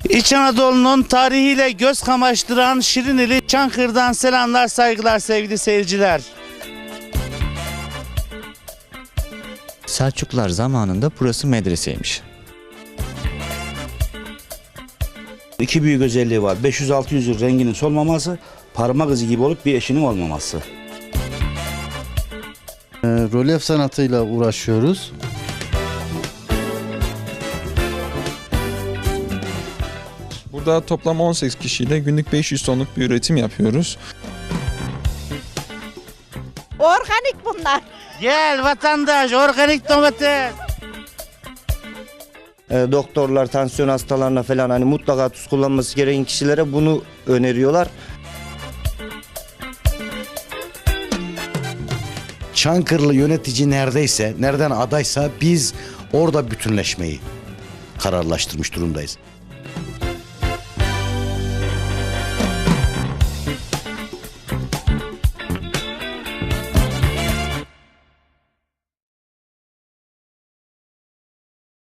İç Anadolu'nun tarihiyle göz kamaştıran Şirinili Çankırı'dan selamlar, saygılar sevgili seyirciler. Selçuklular zamanında burası medreseymiş. İki büyük özelliği var. 500-600 yıl renginin solmaması, parmak izi gibi olup bir eşinin olmaması. Rölyef sanatıyla uğraşıyoruz. Burada toplam 18 kişiyle günlük 500 tonluk bir üretim yapıyoruz. Organik bunlar. Gel vatandaş, organik domates. Doktorlar tansiyon hastalarına falan hani mutlaka tuz kullanması gereken kişilere bunu öneriyorlar. Çankırılı yönetici neredeyse, nereden adaysa biz orada bütünleşmeyi kararlaştırmış durumdayız.